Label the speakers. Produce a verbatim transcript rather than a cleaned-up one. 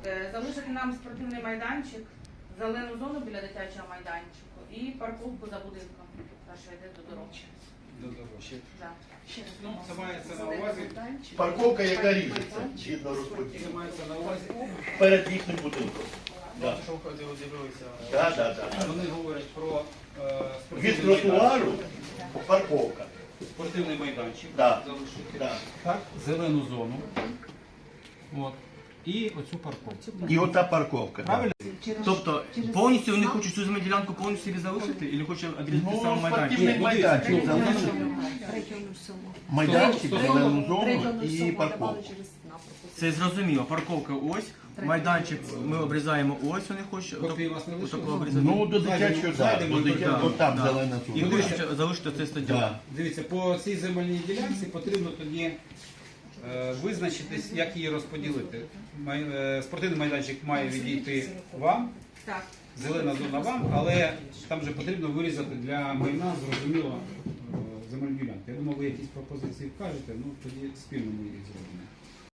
Speaker 1: Е, Залишити нам спортивний майданчик, зелену зону біля дитячого майданчику і парковку за будинком, та що йде до дороги.
Speaker 2: До дороги.
Speaker 1: Да.
Speaker 2: Ну, це мається на увазі.
Speaker 3: Парковка, яка ріжеться, згідно
Speaker 2: Це
Speaker 3: розподілу.
Speaker 2: мається на увазі.
Speaker 3: Перед їхнім будинком. Да.
Speaker 2: Що входили, дивилися.
Speaker 3: Да, да, да.
Speaker 2: Вони говорять про е,
Speaker 3: Від
Speaker 2: спортивний
Speaker 3: тротуару
Speaker 2: майданчик.
Speaker 3: парковка.
Speaker 2: Спортивний майданчик.
Speaker 3: Да.
Speaker 2: Залишити.
Speaker 3: Да.
Speaker 2: Так, зелену зону. От. І оцю парковку.
Speaker 3: І ота парковка. Да.
Speaker 2: Правильно?
Speaker 4: Тобто повністю вони хочуть цю земельну ділянку повністю собі залишити, і хочуть обрізати
Speaker 3: Ну,
Speaker 4: сам майданчик?
Speaker 3: спортивний майданчик залишити.
Speaker 5: Районну суму.
Speaker 3: Майданчик, зелену зону
Speaker 5: Районну
Speaker 3: і
Speaker 5: суму
Speaker 3: парковку.
Speaker 5: давали через напрямку.
Speaker 4: Це зрозуміло. Парковка ось, майданчик ми обрізаємо ось, вони хочуть
Speaker 2: Копії у вас не
Speaker 4: отако
Speaker 2: лишилось?
Speaker 4: обрізати.
Speaker 3: Ну, до дитячого, да,
Speaker 2: Зайдемо,
Speaker 3: до дитячого,
Speaker 4: да,
Speaker 3: отам
Speaker 4: да.
Speaker 3: зелена
Speaker 4: І
Speaker 3: зона.
Speaker 4: хочуть залишити цей стадіон.
Speaker 3: Да.
Speaker 2: Дивіться, по цій земельній ділянці потрібно тоді е, визначитись, як її розподілити. Май, е, спортивний майданчик має відійти вам,
Speaker 1: Так.
Speaker 2: зелена зона вам, але там же потрібно вирізати для майна, зрозуміло, е, земельну ділянку. Я думаю, ви якісь пропозиції вкажете, ну тоді спільно ми їх зробимо.